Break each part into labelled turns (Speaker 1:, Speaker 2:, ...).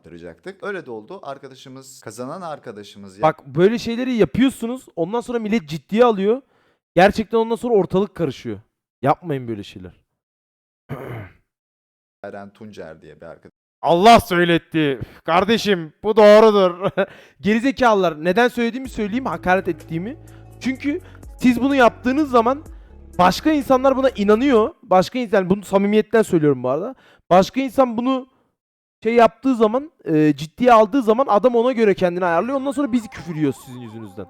Speaker 1: yaptıracaktık. Öyle de oldu. Arkadaşımız, kazanan arkadaşımız
Speaker 2: Bak böyle şeyleri yapıyorsunuz. Ondan sonra millet ciddiye alıyor. Gerçekten ondan sonra ortalık karışıyor. Yapmayın böyle şeyler.
Speaker 1: Eren Tuncer diye bir arkadaş.
Speaker 2: Allah söyletti. Kardeşim bu doğrudur. Gerizekalılar. Neden söylediğimi söyleyeyim, hakaret ettiğimi. Çünkü siz bunu yaptığınız zaman başka insanlar buna inanıyor. Başka insan, bunu samimiyetten söylüyorum bu arada. Başka insan bunu şey yaptığı zaman, ciddiye aldığı zaman adam ona göre kendini ayarlıyor. Ondan sonra bizi küfür yiyor sizin yüzünüzden.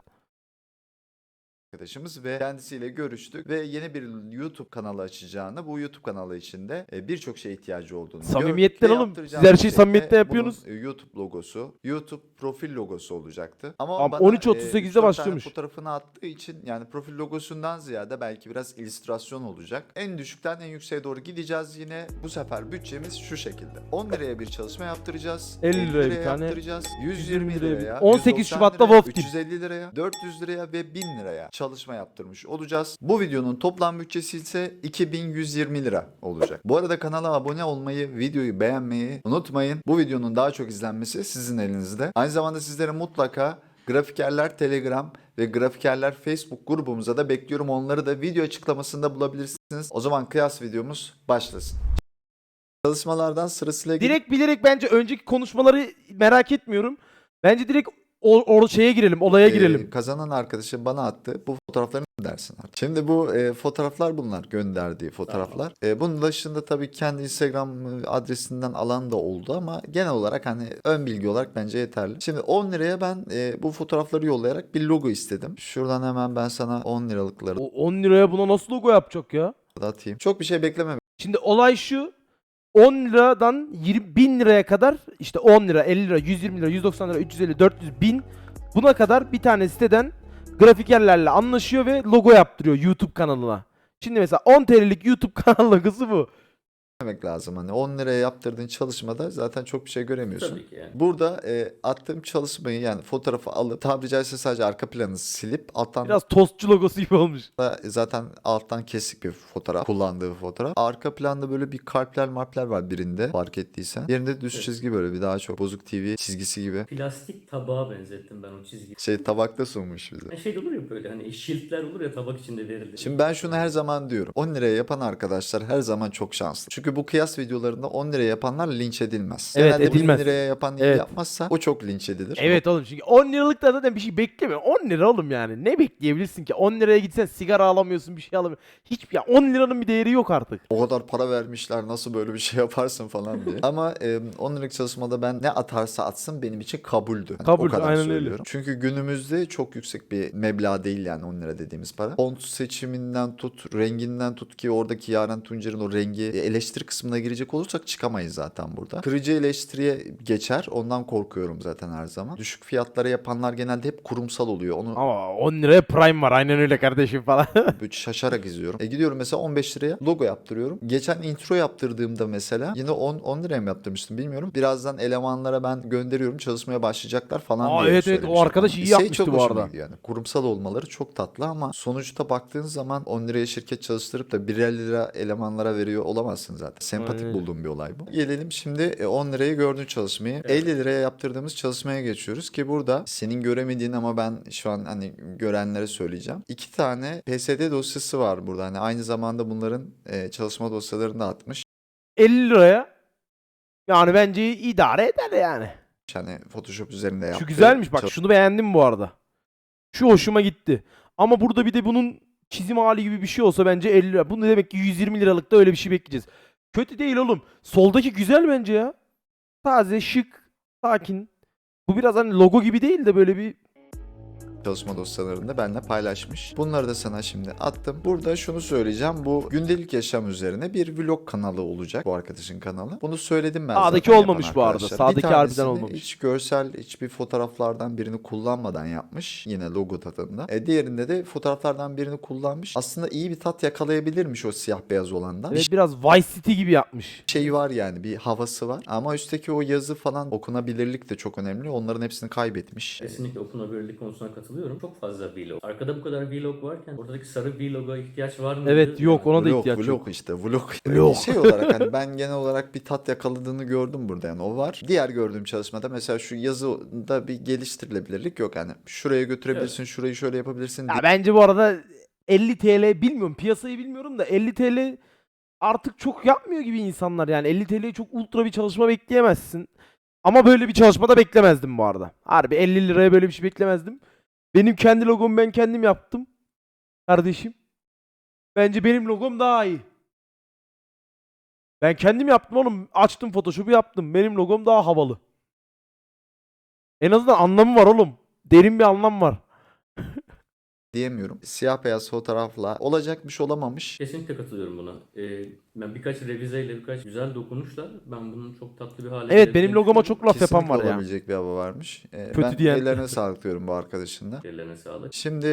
Speaker 1: Arkadaşımız ve kendisiyle görüştük ve yeni bir YouTube kanalı açacağını, bu YouTube kanalı içinde birçok şeye ihtiyacı olduğunu
Speaker 2: Samimiyetten
Speaker 1: gördük ve
Speaker 2: oğlum. Siz
Speaker 1: yaptıracağımız
Speaker 2: her şeyi
Speaker 1: şey de
Speaker 2: samimiyetten yapıyorsunuz.
Speaker 1: bunun YouTube logosu, YouTube profil logosu olacaktı. Ama
Speaker 2: Tamam,
Speaker 1: bana
Speaker 2: 13.38'de
Speaker 1: 3-4 tane
Speaker 2: başlıyormuş.
Speaker 1: fotoğrafını attığı için yani profil logosundan ziyade belki biraz illüstrasyon olacak. En düşükten en yükseğe doğru gideceğiz yine. Bu sefer bütçemiz şu şekilde. 10 liraya bir çalışma yaptıracağız.
Speaker 2: 50 liraya bir tane,
Speaker 1: yaptıracağız. 120 liraya,
Speaker 2: 18
Speaker 1: 190
Speaker 2: Şubat'ta
Speaker 1: liraya,
Speaker 2: Wolf Team.
Speaker 1: 350 liraya, 400 liraya ve 1000 liraya çalışma yaptırmış olacağız. Bu videonun toplam bütçesi ise 2120 lira olacak. Bu arada kanala abone olmayı, videoyu beğenmeyi unutmayın. Bu videonun daha çok izlenmesi sizin elinizde. Aynı zamanda sizlere mutlaka Grafikerler Telegram ve Grafikerler Facebook grubumuza da bekliyorum. Onları da video açıklamasında bulabilirsiniz. O zaman kıyas videomuz başlasın. Çalışmalardan sırasıyla
Speaker 2: Direkt bilerek bence önceki konuşmaları merak etmiyorum. Bence direkt o şeye girelim, olaya girelim.
Speaker 1: Kazanan arkadaşım bana attı. Bu fotoğrafları ne dersin artık? Şimdi bu fotoğraflar bunlar. Gönderdiği fotoğraflar. Bunun dışında tabii kendi Instagram adresinden alan da oldu ama genel olarak hani ön bilgi olarak bence yeterli. Şimdi 10 liraya ben bu fotoğrafları yollayarak bir logo istedim. Şuradan hemen ben sana 10 liralıkları
Speaker 2: O 10 liraya buna nasıl logo yapacak ya?
Speaker 1: da atayım. Çok bir şey bekleme.
Speaker 2: Şimdi olay şu. 10 liradan 20 bin liraya kadar işte 10 lira, 50 lira, 120 lira, 190 lira, 350, 400, 1000 buna kadar bir tane siteden grafikerlerle anlaşıyor ve logo yaptırıyor YouTube kanalına. Şimdi mesela 10 TL'lik YouTube kanal logosu bu.
Speaker 1: Demek lazım. Hani 10 liraya yaptırdığın çalışmada zaten çok bir şey göremiyorsun.
Speaker 3: Tabii ki yani.
Speaker 1: Burada attığım çalışmayı yani fotoğrafı alıp tabiri caizse sadece arka planı silip alttan
Speaker 2: Biraz tostçu logosu gibi olmuş.
Speaker 1: da zaten alttan kesik bir fotoğraf. Kullandığı bir fotoğraf. Arka planda böyle bir kalpler marpler var birinde fark ettiysen. Yerinde düz
Speaker 3: Evet.
Speaker 1: çizgi böyle bir daha çok bozuk TV çizgisi gibi.
Speaker 3: Plastik tabağa benzettim ben o çizgiyi.
Speaker 1: Şey tabakta sunmuş bize.
Speaker 3: Yani şey de olur ya böyle hani şiltler olur ya tabak içinde verilir.
Speaker 1: Şimdi ben şunu her zaman diyorum. 10 liraya yapan arkadaşlar her zaman çok şanslı. Çünkü bu kıyas videolarında 10 liraya yapanlar linç edilmez.
Speaker 2: Evet,
Speaker 1: Genelde 1000
Speaker 2: edilmez.
Speaker 1: liraya yapan iyi
Speaker 2: Evet.
Speaker 1: yapmazsa o çok linç edilir.
Speaker 2: Evet oğlum, çünkü 10 liralık da zaten bir şey bekleme. 10 lira oğlum yani. Ne bekleyebilirsin ki? 10 liraya gitsen sigara alamıyorsun, bir şey alamıyorsun. Hiçbir ya 10 liranın bir değeri yok artık.
Speaker 1: O kadar para vermişler nasıl böyle bir şey yaparsın falan diye. Ama 10 liralık çalışmada ben ne atarsa atsın benim için kabuldü. Hani
Speaker 2: Kabul,
Speaker 1: o kadar
Speaker 2: aynen öyle.
Speaker 1: söylüyorum. Çünkü günümüzde çok yüksek bir meblağ değil yani 10 lira dediğimiz para. Font seçiminden tut, renginden tut ki oradaki Yaren Tuncer'in o rengi eleştiri kısmına girecek olursak çıkamayız zaten burada. Kırıcı eleştiriye geçer. Ondan korkuyorum zaten her zaman. Düşük fiyatlara yapanlar genelde hep kurumsal oluyor. Onu
Speaker 2: Ama 10 liraya Prime var, aynen öyle kardeşim falan.
Speaker 1: böyle şaşarak izliyorum. Gidiyorum mesela 15 liraya logo yaptırıyorum. Geçen intro yaptırdığımda mesela yine 10 liraya mı yaptırmıştım bilmiyorum. Birazdan elemanlara ben gönderiyorum çalışmaya başlayacaklar falan
Speaker 2: Aa,
Speaker 1: diye
Speaker 2: evet,
Speaker 1: söylemiştim.
Speaker 2: o arkadaş iyi
Speaker 1: Şey
Speaker 2: yapmıştı
Speaker 1: çok
Speaker 2: bu
Speaker 1: hoşuma
Speaker 2: arada.
Speaker 1: gidiyor yani. Kurumsal olmaları çok tatlı ama sonuçta baktığın zaman 10 liraya şirket çalıştırıp da 1 lira elemanlara veriyor olamazsın zaten. Sempatik
Speaker 2: Aynen.
Speaker 1: bulduğum bir olay bu. Gelelim şimdi 10 liraya gördüğün çalışmayı.
Speaker 3: Evet.
Speaker 1: 50 liraya yaptırdığımız çalışmaya geçiyoruz ki burada senin göremediğin ama ben şu an hani görenlere söyleyeceğim. 2 tane PSD dosyası var burada. Hani aynı zamanda bunların çalışma dosyalarını da atmış.
Speaker 2: 50 liraya yani bence idare eder yani.
Speaker 1: Hani Photoshop üzerinde yaptığı
Speaker 2: Şu güzelmiş bak, şunu beğendim bu arada. Şu hoşuma gitti. Ama burada bir de bunun çizim hali gibi bir şey olsa bence 50 lira. Bunu demek ki 120 liralık da öyle bir şey bekleyeceğiz. Kötü değil oğlum. Soldaki güzel bence ya. Taze, şık, sakin. Bu biraz hani logo gibi değil de böyle bir...
Speaker 1: çalışma dosyalarında benimle paylaşmış. Bunları da sana şimdi attım. Burada şunu söyleyeceğim. Bu gündelik yaşam üzerine bir vlog kanalı olacak. Bu arkadaşın kanalı. Bunu söyledim ben
Speaker 2: Sağdaki
Speaker 1: zaten
Speaker 2: olmamış
Speaker 1: yapan
Speaker 2: bu arada.
Speaker 1: arkadaşlara.
Speaker 2: Sağdaki
Speaker 1: Bir
Speaker 2: harbiden
Speaker 1: tanesini
Speaker 2: olmamış.
Speaker 1: hiç görsel, hiçbir fotoğraflardan birini kullanmadan yapmış. Yine logo tadında. Diğerinde de fotoğraflardan birini kullanmış. Aslında iyi bir tat yakalayabilirmiş o siyah beyaz olandan.
Speaker 2: Evet, biraz Vice City gibi yapmış.
Speaker 1: Şey var yani bir havası var. Ama üstteki o yazı falan okunabilirlik de çok önemli. Onların hepsini kaybetmiş.
Speaker 3: Kesinlikle okunabilirlik konusuna katılıyorum. katılıyorum. Çok fazla vlog. Arkada bu kadar vlog varken oradaki sarı vloga ihtiyaç var mı?
Speaker 2: Evet, yok, ona da ihtiyaç yok.
Speaker 1: Vlog işte vlog.
Speaker 2: Vlog.
Speaker 1: Şey olarak hani ben genel olarak bir tat yakaladığını gördüm burada, yani o var. Diğer gördüğüm çalışmada mesela şu yazıda bir geliştirilebilirlik yok. Yani şuraya götürebilirsin, şurayı şöyle yapabilirsin.
Speaker 2: Ya bence bu arada 50 TL, bilmiyorum piyasayı bilmiyorum da 50 TL artık çok yapmıyor gibi insanlar, yani 50 TL'ye çok ultra bir çalışma bekleyemezsin. Ama böyle bir çalışmada beklemezdim bu arada. Harbi 50 liraya böyle bir şey beklemezdim. Benim kendi logomu ben kendim yaptım. Kardeşim. Bence benim logom daha iyi. Ben kendim yaptım oğlum. Açtım Photoshop'u yaptım. Benim logom daha havalı. En azından anlamı var oğlum. Derin bir anlam var.
Speaker 1: Diyemiyorum. Siyah beyaz fotoğrafla olacakmış olamamış.
Speaker 3: Kesinlikle katılıyorum buna. Ben birkaç revizeyle, birkaç güzel dokunuşla ben bunun çok tatlı bir hale
Speaker 2: Evet, benim
Speaker 3: getirdiğini
Speaker 2: logoma
Speaker 3: düşünüyorum.
Speaker 2: çok laf yapan
Speaker 1: Kesinlikle
Speaker 2: var ya.
Speaker 1: olabilecek bir hava varmış.
Speaker 2: Kötü
Speaker 1: Ben
Speaker 2: diyen.
Speaker 1: ellerine sağlık diyorum bu arkadaşın da.
Speaker 3: Ellerine sağlık.
Speaker 1: Şimdi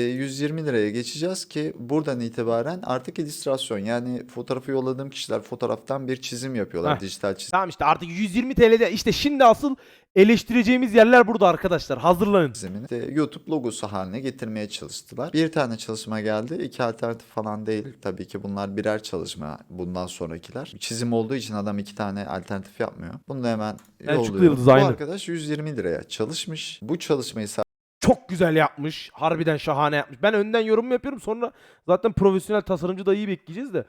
Speaker 1: 120 liraya geçeceğiz ki buradan itibaren artık illüstrasyon, yani fotoğrafı yolladığım kişiler fotoğraftan bir çizim yapıyorlar.
Speaker 2: Heh.
Speaker 1: Dijital çizim.
Speaker 2: Tamam işte artık 120 TL'de işte şimdi asıl eleştireceğimiz yerler burada arkadaşlar. Hazırlanın.
Speaker 1: Çizimini de YouTube logosu haline getirmeye çalıştılar. Bir tane çalışma geldi. 2 alternatif falan değil. Tabii ki bunlar birer çalışma bundan sonrakiler. Çizim olduğu için adam 2 tane alternatif yapmıyor. Bunu da hemen
Speaker 2: Selçuklu
Speaker 1: yolluyorum.
Speaker 2: Yıldız
Speaker 1: Bu
Speaker 2: aynı.
Speaker 1: arkadaş 120 liraya çalışmış. Bu çalışmayı
Speaker 2: Çok güzel yapmış. Harbiden şahane yapmış. Ben önden yorum yapıyorum. Sonra zaten profesyonel tasarımcı dayıyı bekleyeceğiz de.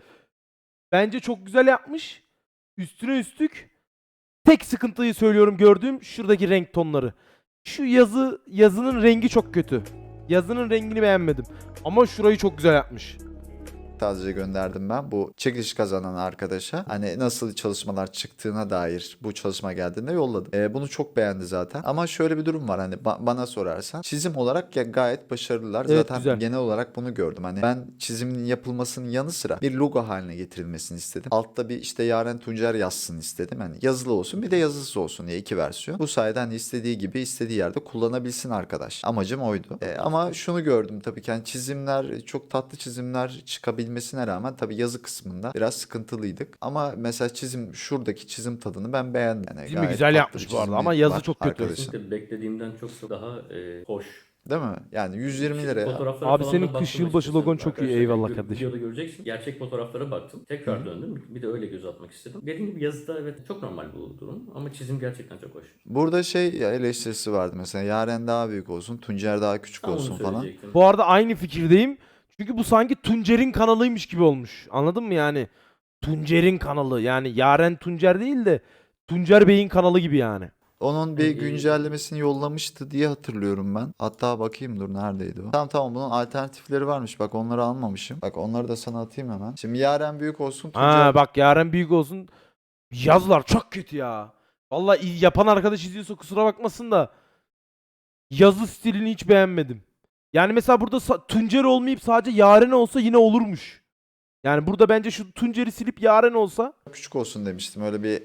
Speaker 2: Bence çok güzel yapmış. Üstüne üstlük tek sıkıntıyı söylüyorum, gördüğüm şuradaki renk tonları. Şu yazının rengi çok kötü. Yazının rengini beğenmedim. Ama şurayı çok güzel yapmış.
Speaker 1: sadece gönderdim ben bu çekiliş kazanan arkadaşa. Hani nasıl çalışmalar çıktığına dair bu çalışma geldiğinde yolladım. Bunu çok beğendi zaten. Ama şöyle bir durum var, hani bana sorarsan çizim olarak ya gayet başarılılar.
Speaker 2: Evet,
Speaker 1: Zaten
Speaker 2: güzel.
Speaker 1: genel olarak bunu gördüm. Hani ben çizimin yapılmasının yanı sıra bir logo haline getirilmesini istedim. Altta bir işte Yaren Tuncer yazsın istedim. Hani yazılı olsun bir de yazısız olsun diye 2 versiyon. Bu sayede hani istediği gibi istediği yerde kullanabilsin arkadaş. Amacım oydu. Ama şunu gördüm tabii ki, hani çizimler çok tatlı çizimler çıkabilmesine rağmen tabii yazı kısmında biraz sıkıntılıydık. Ama mesela şuradaki çizim tadını ben beğendim. Yani
Speaker 2: Çizimi
Speaker 1: gayet
Speaker 2: güzel
Speaker 1: tatlı
Speaker 2: yapmış
Speaker 1: bir
Speaker 2: bu arada
Speaker 1: çizimi
Speaker 2: ama yazı
Speaker 1: var
Speaker 2: çok kötü.
Speaker 1: arkadaşın.
Speaker 3: Kesinlikle beklediğimden çok daha hoş.
Speaker 1: Değil mi? Yani 120 liraya.
Speaker 3: Fotoğraflara
Speaker 2: Abi
Speaker 3: falan
Speaker 2: senin
Speaker 3: da
Speaker 2: kış
Speaker 3: baktım
Speaker 2: yılbaşı
Speaker 3: açıkçası.
Speaker 2: logon çok iyi,
Speaker 3: Arkadaşlar,
Speaker 2: eyvallah kardeşim.
Speaker 3: Videoda göreceksin. Gerçek fotoğraflara baktım. Tekrar döndüm. Bir de öyle göz atmak istedim. Dediğim gibi yazıda evet çok normal bu durum. Ama çizim gerçekten çok hoş.
Speaker 1: Burada eleştirisi vardı mesela, Yaren daha büyük olsun, Tuncer daha küçük
Speaker 3: Tam onu
Speaker 1: olsun falan.
Speaker 3: söyleyecektim.
Speaker 2: Bu arada aynı fikirdeyim. Çünkü bu sanki Tuncer'in kanalıymış gibi olmuş. Anladın mı yani? Tuncer'in kanalı. Yani Yaren Tuncer değil de Tuncer Bey'in kanalı gibi yani.
Speaker 1: Onun bir güncellemesini yollamıştı diye hatırlıyorum ben. Hatta bakayım, dur neredeydi o? Tamam bunun alternatifleri varmış. Bak onları almamışım. Bak onları da sana atayım hemen. Şimdi Yaren büyük olsun, Tuncer
Speaker 2: Ha bak, Yaren büyük olsun. Yazılar çok kötü ya. Vallahi yapan arkadaş izliyorsa kusura bakmasın da yazı stilini hiç beğenmedim. Yani mesela burada Tuncer olmayıp sadece Yaren olsa yine olurmuş. Yani burada bence şu Tuncer'i silip Yaren olsa.
Speaker 1: küçük olsun demiştim. Öyle bir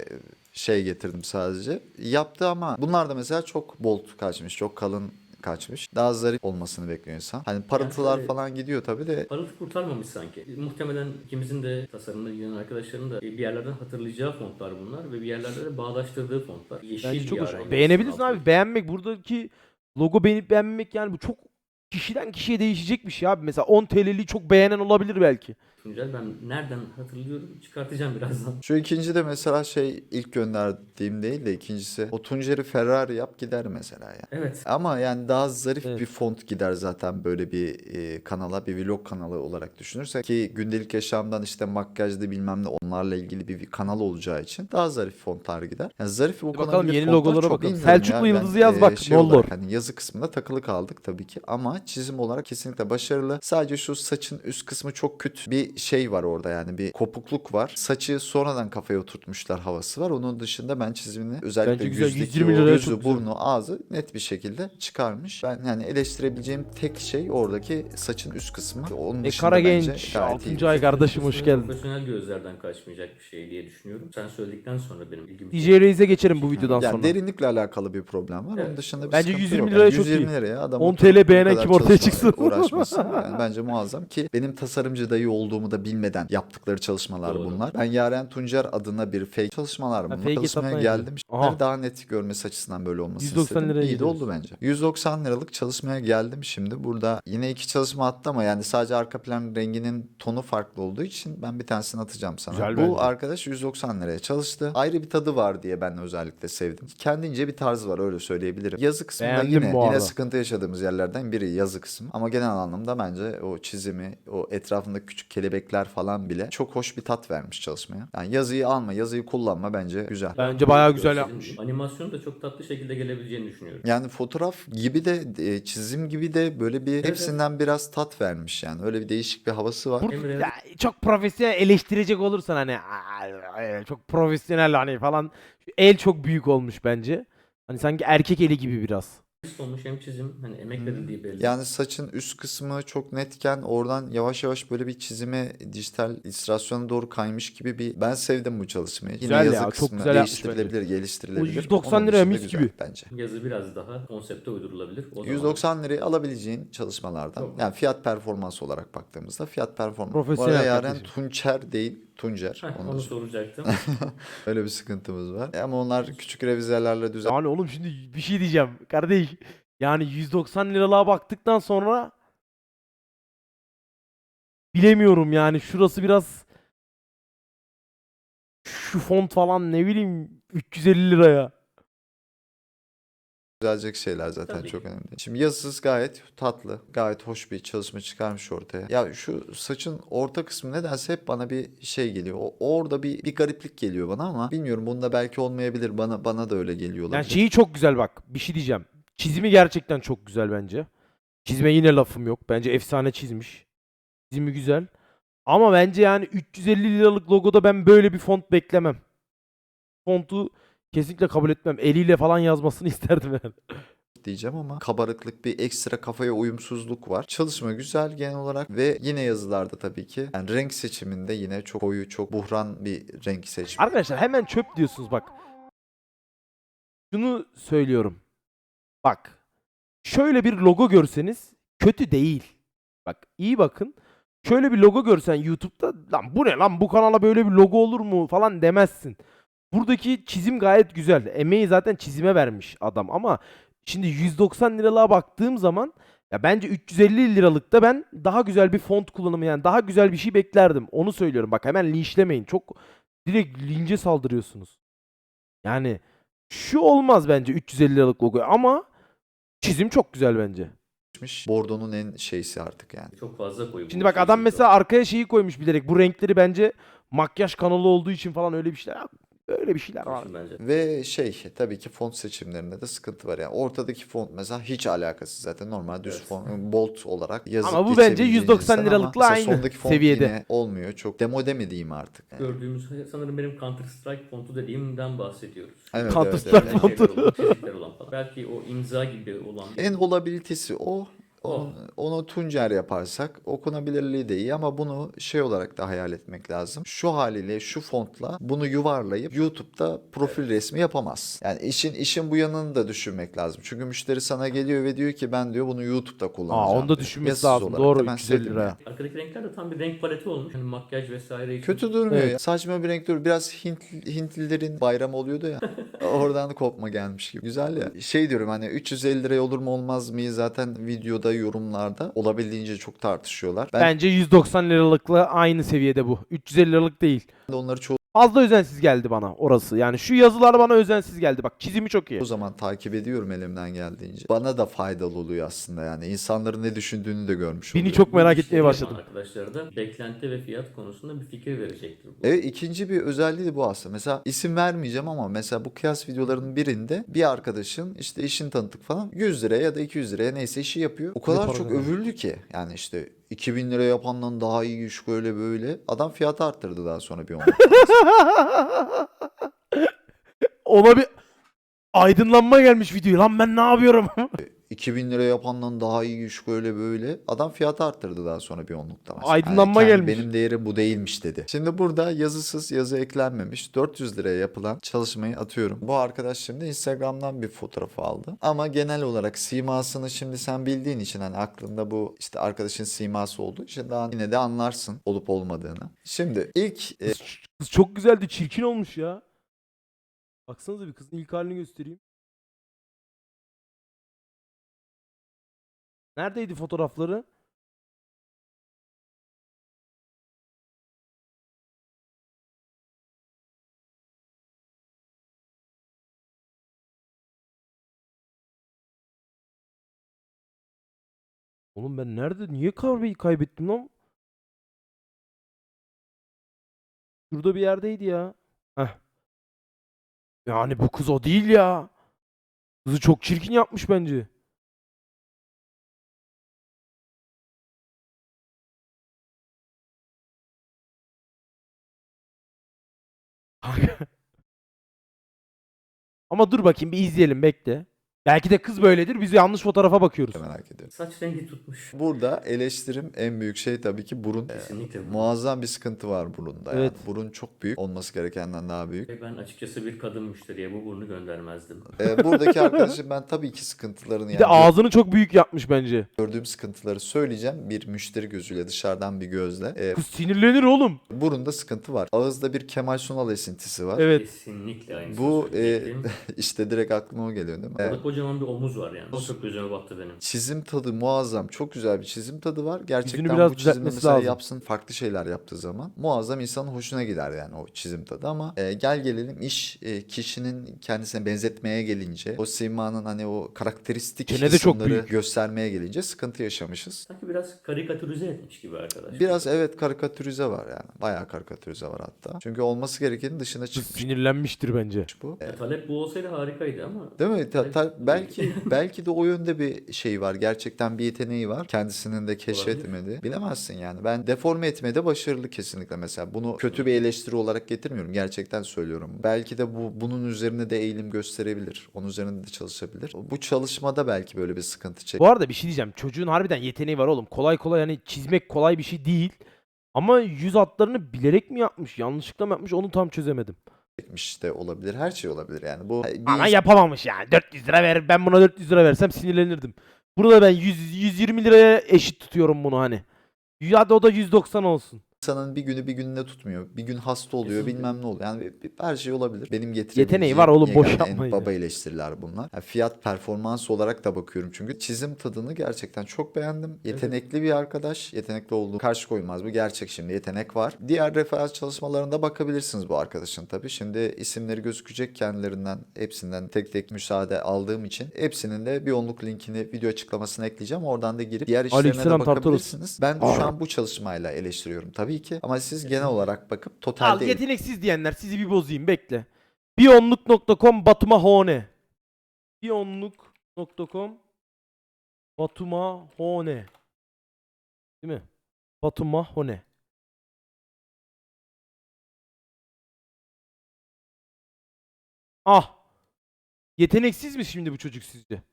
Speaker 1: getirdim sadece. Yaptı ama bunlar da mesela çok bold kaçmış. Çok kalın kaçmış. Daha zarif olmasını bekliyor insan. Hani parıltılar
Speaker 3: şöyle-
Speaker 1: falan gidiyor tabii de.
Speaker 3: Parıltı kurtarmamış sanki. Muhtemelen ikimizin de tasarımda ilgilenen arkadaşların da bir yerlerden hatırlayacağı fontlar bunlar ve bir yerlerde de bağdaştırdığı fontlar. Yeşil
Speaker 2: Bence çok
Speaker 3: bir
Speaker 2: hoş.
Speaker 3: ara.
Speaker 2: Beğenebilirsin abi. Beğenmek, buradaki logo beğenip beğenmemek, yani bu çok kişiden kişiye değişecek bir şey abi. Mesela 10 TL'liği çok beğenen olabilir belki.
Speaker 3: Tuncel, ben nereden hatırlıyorum çıkartacağım birazdan.
Speaker 1: Şu ikinci de mesela ilk gönderdiğim değil de ikincisi. O Tuncer'i Ferrari yap gider mesela ya.
Speaker 3: Evet.
Speaker 1: Ama yani daha zarif
Speaker 2: Evet.
Speaker 1: bir font gider zaten böyle bir kanala, bir vlog kanalı olarak düşünürsek, ki gündelik yaşamdan işte makyajda bilmem ne onlarla ilgili bir kanal olacağı için daha zarif fontlar gider. Yani zarif
Speaker 2: Bakalım,
Speaker 1: okunabilir
Speaker 2: yeni
Speaker 1: fontlar
Speaker 2: logolara
Speaker 1: çok
Speaker 2: bakalım.
Speaker 1: bilmiyorum
Speaker 2: Selçuklu
Speaker 1: ya.
Speaker 2: Yıldız'ı
Speaker 1: Ben,
Speaker 2: yaz bak, ne olur.
Speaker 1: olarak hani yazı kısmında takılı kaldık tabii ki ama çizim olarak kesinlikle başarılı. Sadece şu saçın üst kısmı çok kötü bir şey var orada, yani bir kopukluk var. Saçı sonradan kafaya oturtmuşlar havası var. Onun dışında ben çizimini özellikle
Speaker 2: Bence güzel,
Speaker 1: yüzdeki
Speaker 2: 120
Speaker 1: o
Speaker 2: liraya
Speaker 1: gözü,
Speaker 2: çok güzel.
Speaker 1: burnu, ağzı net bir şekilde çıkarmış. Ben yani eleştirebileceğim tek şey oradaki saçın üst kısmı. Onun dışında
Speaker 2: Kara
Speaker 1: bence
Speaker 2: Genç,
Speaker 1: gayet iyi.
Speaker 2: 6. ay kardeşim hoş geldin.
Speaker 3: Profesyonel gözlerden kaçmayacak bir şey diye düşünüyorum. Sen söyledikten sonra benim ilgimi
Speaker 2: DJ Reis'e geçerim bu videodan
Speaker 1: Yani
Speaker 2: sonra.
Speaker 1: derinlikle alakalı bir problem var. Onun
Speaker 3: Evet.
Speaker 1: dışında bir
Speaker 2: Bence
Speaker 1: sıkıntı
Speaker 2: 120
Speaker 1: yok.
Speaker 2: liraya
Speaker 1: Yani
Speaker 2: çok
Speaker 1: 120
Speaker 2: iyi.
Speaker 1: liraya adam
Speaker 2: 10
Speaker 1: oturup
Speaker 2: TL
Speaker 1: bu
Speaker 2: beğenen
Speaker 1: kadar
Speaker 2: kim ortaya
Speaker 1: çalışmayla
Speaker 2: çıksın?
Speaker 1: uğraşmasın. Yani bence muazzam ki benim tasarımcı dayı olduğum olduğumu da bilmeden yaptıkları çalışmalar
Speaker 3: Doğru.
Speaker 1: bunlar. Ben Yaren Tuncer adına bir fake çalışmalar bunlar.
Speaker 2: fake
Speaker 1: Çalışmaya
Speaker 2: hesaptan
Speaker 1: geldim.
Speaker 2: yapıyor. Aha.
Speaker 1: Daha net görmesi açısından böyle olmasını
Speaker 2: 190
Speaker 1: istedim.
Speaker 2: liraya
Speaker 1: İyi de
Speaker 2: gidiyoruz.
Speaker 1: oldu bence. 190 liralık çalışmaya geldim şimdi. Burada yine 2 çalışma attı ama yani sadece arka plan renginin tonu farklı olduğu için ben bir tanesini atacağım sana.
Speaker 2: Güzel
Speaker 1: Bu
Speaker 2: bence.
Speaker 1: arkadaş 190 liraya çalıştı. Ayrı bir tadı var diye ben özellikle sevdim. Kendince bir tarzı var, öyle söyleyebilirim. Yazı kısmında
Speaker 2: Beğendim bu
Speaker 1: yine
Speaker 2: arada.
Speaker 1: sıkıntı yaşadığımız yerlerden biri yazı kısmı. Ama genel anlamda bence o çizimi, o etrafındaki küçük kelebekler falan bile çok hoş bir tat vermiş çalışmaya. Yani yazıyı alma, yazıyı kullanma bence güzel.
Speaker 2: Bence bayağı güzel
Speaker 3: Görselin
Speaker 2: yapmış.
Speaker 3: Animasyonu da çok tatlı şekilde gelebileceğini düşünüyorum.
Speaker 1: Yani fotoğraf gibi de çizim gibi de böyle bir
Speaker 3: Evet,
Speaker 1: hepsinden biraz tat vermiş yani. Öyle bir değişik bir havası var.
Speaker 2: Bur-
Speaker 3: Hem real-
Speaker 2: ya, çok profesyonel eleştirecek olursan hani çok profesyonel hani falan, el çok büyük olmuş bence. Hani sanki erkek eli gibi biraz.
Speaker 3: olmuş hem çizim hani emek verildiği belli.
Speaker 1: Yani saçın üst kısmı çok netken oradan yavaş yavaş böyle bir çizime, dijital illüstrasyona doğru kaymış gibi bir, ben sevdim bu çalışmayı.
Speaker 2: Güzel
Speaker 1: Yine
Speaker 2: ya,
Speaker 1: yazı
Speaker 2: çok
Speaker 1: kısmı
Speaker 2: güzel yapmış
Speaker 1: değiştirilebilir, geliştirilebilir.
Speaker 2: O 190
Speaker 1: Onun
Speaker 2: liraya
Speaker 1: dışında
Speaker 2: mis
Speaker 1: güzel
Speaker 2: gibi.
Speaker 1: bence.
Speaker 3: Yazı biraz daha konsepte uydurulabilir. O zaman
Speaker 1: 190 liraya alabileceğin çalışmalardan,
Speaker 3: Çok.
Speaker 1: yani fiyat performans olarak baktığımızda fiyat performans. Bu
Speaker 2: Profesyonel
Speaker 1: arada Yaren
Speaker 2: kardeşim.
Speaker 1: Tunçer değil, Tuncer.
Speaker 3: Heh,
Speaker 1: Onu
Speaker 3: onu
Speaker 1: da
Speaker 3: soracaktım.
Speaker 1: öyle bir sıkıntımız var. Ama onlar küçük revizelerle düzel.
Speaker 2: Yani oğlum şimdi bir şey diyeceğim kardeş. Yani 190 liralığa baktıktan sonra bilemiyorum yani, şurası biraz, şu font falan ne bileyim 350 liraya.
Speaker 1: Düzelecek şeyler zaten
Speaker 3: Tabii
Speaker 1: çok
Speaker 3: ki.
Speaker 1: önemli. Şimdi yazısız gayet tatlı, gayet hoş bir çalışma çıkarmış ortaya. Ya şu saçın orta kısmı nedense hep bana bir şey geliyor. Orada bir gariplik geliyor bana ama bilmiyorum, bunda belki olmayabilir. Bana da öyle geliyor
Speaker 2: Yani
Speaker 1: olabilir.
Speaker 2: şeyi çok güzel bak. Bir şey diyeceğim. Çizimi gerçekten çok güzel bence. Çizime yine lafım yok. Bence efsane çizmiş. Çizimi güzel. Ama bence yani 350 liralık logoda ben böyle bir font beklemem. Fontu kesinlikle kabul etmem. Eliyle falan yazmasını isterdim yani.
Speaker 1: Diyeceğim ama kabarıklık, bir ekstra kafaya uyumsuzluk var. Çalışma güzel genel olarak ve yine yazılarda tabii ki. Yani renk seçiminde yine çok koyu, çok buhran bir renk seçmiş.
Speaker 2: Arkadaşlar hemen çöp diyorsunuz bak. Şunu söylüyorum. Bak. Şöyle bir logo görseniz kötü değil. Bak iyi bakın. Şöyle bir logo görsen YouTube'da, lan bu ne lan, bu kanala böyle bir logo olur mu falan demezsin. Buradaki çizim gayet güzel. Emeği zaten çizime vermiş adam ama şimdi 190 liralığa baktığım zaman ya bence 350 liralıkta ben daha güzel bir font kullanımı, yani daha güzel bir şey beklerdim. Onu söylüyorum. Bak hemen linçlemeyin. Çok direkt lince saldırıyorsunuz. Yani şu olmaz bence 350 liralık logo ama çizim çok güzel bence.
Speaker 1: Bordonun en şeysi artık yani.
Speaker 3: Çok fazla koyu.
Speaker 2: Şimdi bak adam mesela arkaya şeyi koymuş bilerek. Bu renkleri bence makyaj kanalı olduğu için falan öyle bir şeyler. Böyle bir şeyler var.
Speaker 3: bence.
Speaker 1: Ve tabii ki font seçimlerinde de sıkıntı var. Yani ortadaki font mesela hiç alakasız zaten, normal düz
Speaker 3: Evet.
Speaker 1: font, bold olarak yazıp
Speaker 2: Ama bu bence
Speaker 1: geçebileceğin
Speaker 2: 190
Speaker 1: insan
Speaker 2: liralıkla
Speaker 1: ama mesela
Speaker 2: aynı
Speaker 1: sondaki font
Speaker 2: seviyede.
Speaker 1: yine olmuyor. Çok demode mi diyeyim artık. Yani.
Speaker 3: Gördüğümüz sanırım benim Counter Strike fontu dediğimden bahsediyoruz.
Speaker 1: Evet,
Speaker 2: Counter
Speaker 1: evet,
Speaker 2: Strike
Speaker 1: evet.
Speaker 2: fontu.
Speaker 3: Şeyler olan, çizikler olan falan. Belki o imza gibi olan.
Speaker 1: En olabilitesi o.
Speaker 3: O.
Speaker 1: Onu Tuncer yaparsak okunabilirliği de iyi ama bunu olarak da hayal etmek lazım. Şu haliyle, şu fontla bunu yuvarlayıp YouTube'da profil resmi yapamaz. Yani işin bu yanını da düşünmek lazım. Çünkü müşteri sana geliyor ve diyor ki ben diyor bunu YouTube'da kullanacağım.
Speaker 2: Onu da
Speaker 1: diyor.
Speaker 2: düşünmesi
Speaker 1: Yazısız
Speaker 2: lazım.
Speaker 1: olarak
Speaker 2: Doğru,
Speaker 1: da ben
Speaker 2: 350
Speaker 1: sevdim
Speaker 2: lira.
Speaker 1: yani.
Speaker 3: Arkadaki renkler de tam bir renk paleti olmuş. Hani makyaj vesaire için.
Speaker 1: Kötü durmuyor
Speaker 2: Evet.
Speaker 1: ya. Saçma bir renk duruyor. Biraz Hintlilerin bayramı oluyordu ya. Oradan kopma gelmiş gibi. Güzel ya. Diyorum hani 350 liraya olur mu olmaz mı? Zaten videoda, yorumlarda olabildiğince çok tartışıyorlar. Ben
Speaker 2: Bence 190 liralıkla aynı seviyede bu. 350 liralık değil.
Speaker 1: de onları çoğu
Speaker 2: Fazla özensiz geldi bana orası. Yani şu yazılar bana özensiz geldi. Bak çizimi çok iyi.
Speaker 1: o zaman takip ediyorum elimden geldiğince. Bana da faydalı oluyor aslında yani. İnsanların ne düşündüğünü de görmüş
Speaker 2: Beni
Speaker 1: oluyorum.
Speaker 2: çok merak
Speaker 3: Bu
Speaker 2: etmeye
Speaker 3: işleri
Speaker 2: başladım.
Speaker 3: yapan arkadaşlara da beklenti ve fiyat konusunda bir fikir verecektir bu.
Speaker 1: Evet, ikinci bir özelliği de bu aslında. Mesela isim vermeyeceğim ama mesela bu kıyas videolarının birinde bir arkadaşın işte işini tanıttık falan 100 liraya ya da 200 liraya neyse işi yapıyor. O kadar
Speaker 2: para
Speaker 1: çok
Speaker 2: kazanıyor.
Speaker 1: övüldü ki yani işte 2000 lira yapandan daha iyi iş böyle böyle. Adam fiyatı arttırdı daha sonra bir 10.
Speaker 2: Ona bir aydınlanma gelmiş videoya. Lan ben ne yapıyorum?
Speaker 1: 2000 lira yapandan daha iyi iş böyle böyle. Adam fiyatı arttırdı daha sonra bir onlukta mesela.
Speaker 2: Aydınlanma gelmiş.
Speaker 1: Benim değerim bu değilmiş dedi. Şimdi burada yazısız, yazı eklenmemiş 400 liraya yapılan çalışmayı atıyorum. Bu arkadaş şimdi Instagram'dan bir fotoğrafı aldı. Ama genel olarak simasını şimdi sen bildiğin için hani aklında bu işte arkadaşın siması olduğu için daha yine de anlarsın olup olmadığını. Şimdi ilk
Speaker 2: Kız çok güzeldi. Çirkin olmuş ya. Baksanıza bir kızın ilk halini göstereyim. Neredeydi fotoğrafları? Oğlum ben nerede? Niye kahveyi kaybettim lan? Şurada bir yerdeydi ya. Heh. Yani bu kız o değil ya. Kızı çok çirkin yapmış bence. Ama dur bakayım bir izleyelim bekle. Belki de kız böyledir. Biz yanlış fotoğrafa bakıyoruz.
Speaker 1: merak ediyorum.
Speaker 3: Saç rengi tutmuş.
Speaker 1: Burada eleştirim en büyük şey tabii ki burun.
Speaker 3: Kesinlikle.
Speaker 1: Muazzam bir sıkıntı var burunda.
Speaker 2: Evet.
Speaker 1: Yani burun çok büyük. Olması gerekenden daha büyük.
Speaker 3: Ve ben açıkçası bir kadın müşteriye bu burnu göndermezdim.
Speaker 1: Buradaki arkadaşım ben tabii ki sıkıntılarını
Speaker 2: Bir de ağzını çok büyük yapmış bence.
Speaker 1: gördüğüm sıkıntıları söyleyeceğim. Bir müşteri gözüyle dışarıdan bir gözle.
Speaker 2: Kız sinirlenir oğlum.
Speaker 1: Burunda sıkıntı var. Ağızda bir Kemal Sunal esintisi var.
Speaker 2: Evet.
Speaker 3: Kesinlikle aynısını
Speaker 1: Bu
Speaker 3: söyleyecektim.
Speaker 1: işte direkt aklıma o geliyor değil mi?
Speaker 3: Orada kocaman bir omuz var yani. O çok gözüme battı benim.
Speaker 1: Çizim tadı muazzam. Çok güzel bir çizim tadı var. Gerçekten
Speaker 2: Yüzünü biraz
Speaker 1: bu çizimi
Speaker 2: düzeltmesi
Speaker 1: mesela
Speaker 2: lazım.
Speaker 1: yapsın farklı şeyler yaptığı zaman muazzam insanın hoşuna gider yani o çizim tadı ama gel gelelim iş kişinin kendisine benzetmeye gelince o simanın hani o karakteristik
Speaker 2: Çene de çok
Speaker 1: kısımları
Speaker 2: büyük.
Speaker 1: göstermeye gelince sıkıntı yaşamışız.
Speaker 3: Sanki biraz karikatürize etmiş gibi arkadaş.
Speaker 1: Biraz evet karikatürize var yani. Bayağı karikatürize var hatta. Çünkü olması gerekenin dışına
Speaker 2: Kız
Speaker 1: çıkmış
Speaker 2: sinirlenmiştir bence.
Speaker 1: bu.
Speaker 3: Talep bu olsaydı harikaydı ama.
Speaker 1: Değil mi? Belki de o yönde bir şey var. Gerçekten bir yeteneği var. Kendisinin de keşfetmedi. Bilemezsin yani. Ben deforme etmede başarılı kesinlikle mesela. Bunu kötü bir eleştiri olarak getirmiyorum. Gerçekten söylüyorum. Belki de bunun üzerine de eğilim gösterebilir. Onun üzerinde de çalışabilir. Bu çalışmada belki böyle bir sıkıntı
Speaker 2: Bu arada bir şey diyeceğim. Çocuğun harbiden yeteneği var oğlum. Kolay kolay hani çizmek kolay bir şey değil. Ama yüz hatlarını bilerek mi yapmış? Yanlışlıkla mı yapmış? Onu tam çözemedim.
Speaker 1: çekmiş de olabilir. Her şey olabilir yani. Bu
Speaker 2: Ama yapamamış yani. 400 lira ver. Ben buna 400 lira versem sinirlenirdim. Burada ben 120 liraya eşit tutuyorum bunu hani. Hadi o da 190 olsun.
Speaker 1: insanın bir günü bir gününe tutmuyor. Bir gün hasta oluyor,
Speaker 3: Kesinlikle.
Speaker 1: bilmem ne oluyor. Yani her şey olabilir. Benim
Speaker 2: Yeteneği var oğlum, boş
Speaker 1: yegane
Speaker 2: yapmayın
Speaker 1: en
Speaker 2: ya.
Speaker 1: baba eleştiriler bunlar. Yani fiyat performans olarak da bakıyorum çünkü çizim tadını gerçekten çok beğendim. Yetenekli bir arkadaş. Yetenekli olduğu karşı koymaz. Bu gerçek şimdi. Yetenek var. Diğer referans çalışmalarında bakabilirsiniz bu arkadaşın tabii. Şimdi isimleri gözükecek kendilerinden. Hepsinden tek tek müsaade aldığım için. Hepsinin de bir onluk linkini video açıklamasına ekleyeceğim. Oradan da girip diğer işlerine de
Speaker 2: Aleykümselam, Tartaros.
Speaker 1: bakabilirsiniz. Ben şu an bu çalışmayla eleştiriyorum tabii ki. Ama siz genel olarak bakıp
Speaker 2: Al
Speaker 1: totalde
Speaker 2: yeteneksiz diyenler sizi bir bozayım bekle. Bionluk.com Batumahone. Bionluk.com Batumahone. Değil mi? Batumahone. Ah. Yeteneksiz mi şimdi bu çocuk sizce?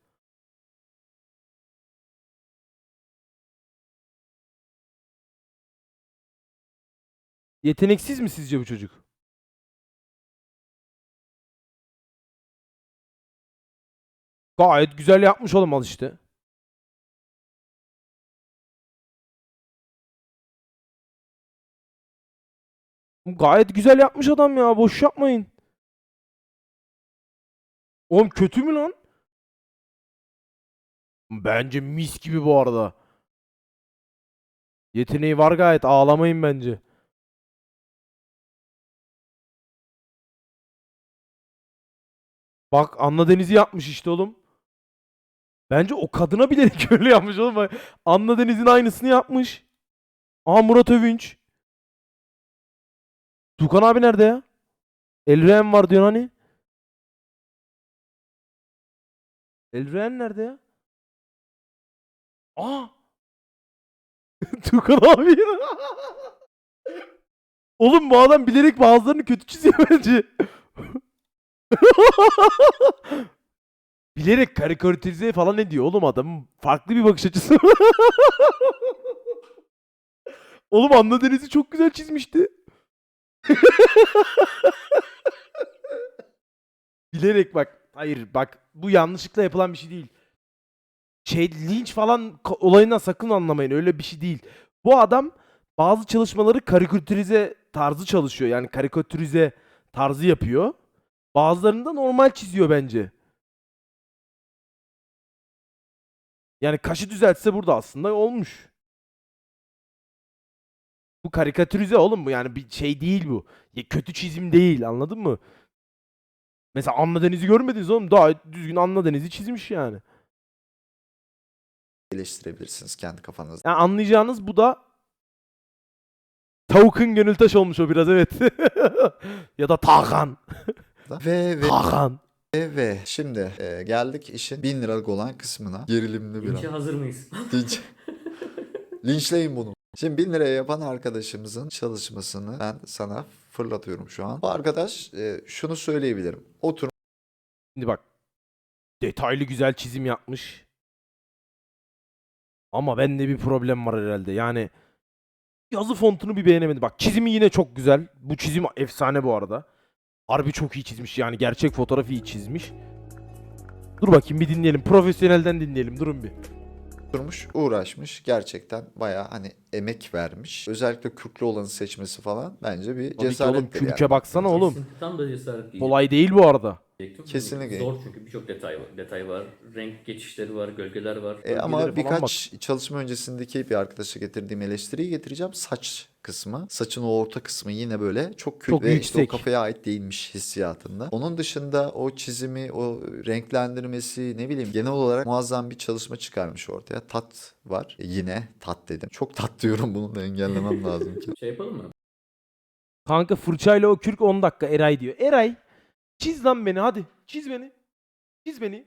Speaker 2: Yeteneksiz mi sizce bu çocuk? Gayet güzel yapmış oğlum al işte. Gayet güzel yapmış adam ya. Boş yapmayın. Oğlum kötü mü lan? Bence mis gibi bu arada. Yeteneği var gayet. Ağlamayın bence. Bak Anna Deniz'i yapmış işte oğlum. Bence o kadına bilerek öyle yapmış oğlum. Bak, Anna Deniz'in aynısını yapmış. Aa Murat Övünç. Tukan abi nerede ya? Elren var diyor hani. Elren nerede ya? Aa! Tukan abi. Oğlum bu adam bilerek bazılarını kötü çiziyor bence. Bilerek karikatürize falan ediyor oğlum adamın. Farklı bir bakış açısı. Oğlum Anna Deniz'i çok güzel çizmişti. Bilerek bak. Hayır bak bu yanlışlıkla yapılan bir şey değil. Linç falan olayından sakın anlamayın. Öyle bir şey değil. Bu adam bazı çalışmaları karikatürize tarzı çalışıyor. Yani karikatürize tarzı yapıyor. Bazılarını da normal çiziyor bence. Yani kaşı düzeltse burada aslında olmuş. Bu karikatürize oğlum bu yani bir şey değil bu. Ya kötü çizim değil anladın mı? Mesela Anna Deniz'i görmediniz oğlum. Daha düzgün Anna Deniz'i çizmiş yani.
Speaker 1: Eleştirebilirsiniz kendi kafanızda.
Speaker 2: Yani anlayacağınız bu da Tavuk'un Gönültaş olmuş o biraz evet. Ya da Tarkan.
Speaker 1: Ve
Speaker 2: Tarkan.
Speaker 1: şimdi geldik işin 1000 liralık olan kısmına. Gerilimli bir
Speaker 3: Linçe
Speaker 1: an.
Speaker 3: hazır mıyız?
Speaker 1: Linç. Linçleyin bunu. Şimdi 1000 liraya yapan arkadaşımızın çalışmasını ben sana fırlatıyorum şu an. Bu arkadaş şunu söyleyebilirim. Oturmuş
Speaker 2: Şimdi bak. Detaylı güzel çizim yapmış. Ama bende bir problem var herhalde. Yani yazı fontunu bir beğenemedim. Bak çizimi yine çok güzel. Bu çizim efsane bu arada. Harbi çok iyi çizmiş yani. Gerçek fotoğrafı iyi çizmiş. Dur bakayım bir dinleyelim. Profesyonelden dinleyelim. Durun bir.
Speaker 1: uğraşmış. Gerçekten bayağı hani emek vermiş. Özellikle kürklü olanı seçmesi falan bence bir
Speaker 2: Tabii ki oğlum
Speaker 1: cesarettir
Speaker 2: kürke
Speaker 1: yani.
Speaker 2: baksana oğlum.
Speaker 3: Kesinlikle tam da cesaret değil.
Speaker 2: Kolay değil bu arada.
Speaker 1: Kesinlikle.
Speaker 3: Zor çünkü birçok detay var. Renk geçişleri var, gölgeler var.
Speaker 1: Ama
Speaker 2: Bölgelere falan
Speaker 1: birkaç çalışma öncesindeki bir arkadaşa getirdiğim eleştiriyi getireceğim. Saç kısmı. Saçın o orta kısmı yine böyle çok kült
Speaker 2: Çok
Speaker 1: ve işte o
Speaker 2: yüksek.
Speaker 1: kafaya ait değilmiş hissiyatında. Onun dışında o çizimi, o renklendirmesi ne bileyim genel olarak muazzam bir çalışma çıkarmış ortaya. Tat var. Yine tat dedim. Çok tat diyorum bunu da engellemem lazım ki.
Speaker 3: Şey yapalım mı?
Speaker 2: Kanka fırçayla o kürk 10 dakika Eray diyor. Eray çiz lan beni hadi. Çiz beni. Çiz beni.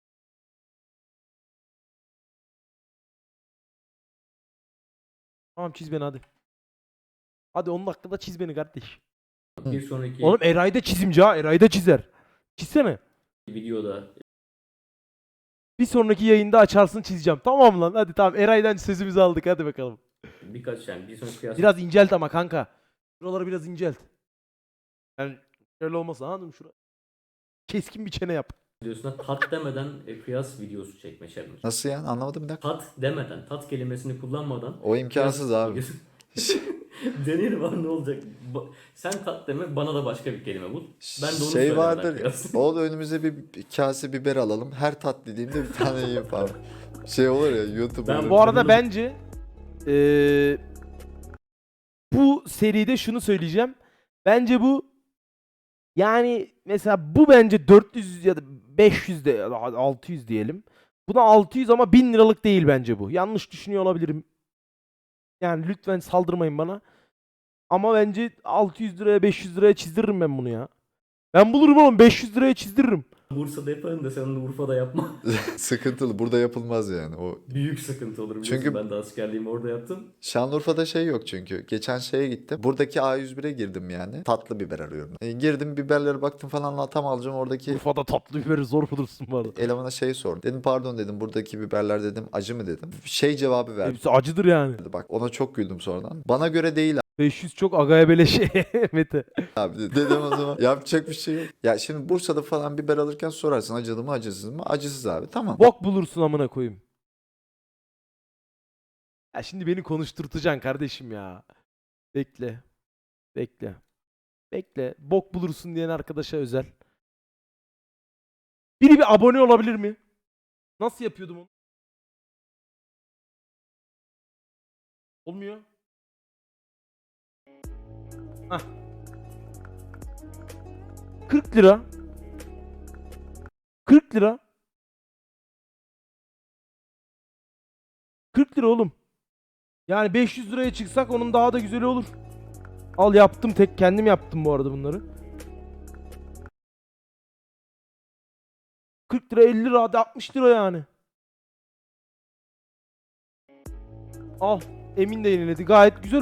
Speaker 2: Tamam çiz beni hadi. Hadi 10 dakikada çiz beni kardeş.
Speaker 3: Bir sonraki
Speaker 2: Oğlum Eray da çizimci ha. Eray da çizer. Çizsene.
Speaker 3: videoda
Speaker 2: Bir sonraki yayında açarsın çizeceğim. Tamam lan hadi tamam. Eray'dan sözümüzü aldık hadi bakalım.
Speaker 3: birkaç yani bir sonraki kıyas
Speaker 2: Biraz incelt ama kanka. Şuraları biraz incelt. Yani şöyle olmasa anladın mı şura? Keskin bir çene yap.
Speaker 3: videosuna tat demeden kıyas videosu çekme challenge.
Speaker 1: Nasıl yani? Anlamadım bir dakika.
Speaker 3: Tat demeden, tat kelimesini kullanmadan
Speaker 1: O imkansız
Speaker 3: kıyas
Speaker 1: abi.
Speaker 3: videosu- Deneyelim abi ne olacak? Sen tat deme bana da başka bir kelime bul. Ben de onu
Speaker 1: Şey
Speaker 3: söylemeden
Speaker 1: vardır.
Speaker 3: kıyas.
Speaker 1: O da önümüze bir kase biber alalım. Her tat dediğimde bir tane yiyeyim falan. Şey olur ya YouTube'da.
Speaker 3: Ben
Speaker 2: Bu arada bence bu seride şunu söyleyeceğim. Bence bu yani mesela bu bence 400 ya da 500 de ya da 600 diyelim. Buna 600 ama 1000 liralık değil bence bu. Yanlış düşünüyor olabilirim. Yani lütfen saldırmayın bana. Ama bence 600 liraya 500 liraya çizdiririm ben bunu ya. Ben bulurum oğlum 500 liraya çizdiririm.
Speaker 3: Bursa'da yaparım da sen onu Urfa'da yapma.
Speaker 1: Sıkıntılı. Burada yapılmaz yani. O
Speaker 3: Büyük sıkıntı olur biliyorsun.
Speaker 1: Çünkü-
Speaker 3: Ben de askerliğimi orada yaptım.
Speaker 1: Şanlıurfa'da şey yok çünkü. Geçen şeye gittim. Buradaki A101'e girdim yani. Tatlı biber arıyorum. Girdim biberlere baktım falan tam alacağım oradaki
Speaker 2: Urfa'da tatlı biberi zor bulursun bu arada.
Speaker 1: elemana şey sordum. Dedim pardon dedim buradaki biberler dedim acı mı dedim. Şey cevabı verdi.
Speaker 2: Hepsi acıdır yani.
Speaker 1: Bak ona çok güldüm sonradan. Bana göre değil
Speaker 2: 500 çok agaya beleşe Mete.
Speaker 1: abi dedim o zaman. Yapacak bir şey yok. Ya şimdi Bursa'da falan biber alırken sorarsın acılı mı acısız mı? Acısız abi tamam.
Speaker 2: Bok bulursun amına koyayım. Ya şimdi beni konuşturtacaksın kardeşim ya. Bekle. Bekle. Bekle. Bok bulursun diyen arkadaşa özel. Biri bir abone olabilir mi? Nasıl yapıyordum onu? Olmuyor. Hah. 40 lira. 40 lira. 40 lira oğlum. Yani 500 liraya çıksak onun daha da güzeli olur. Al yaptım tek kendim yaptım bu arada bunları. 40 lira 50 lira hadi 60 lira yani. Al. Emin de yeniledi. Gayet güzel.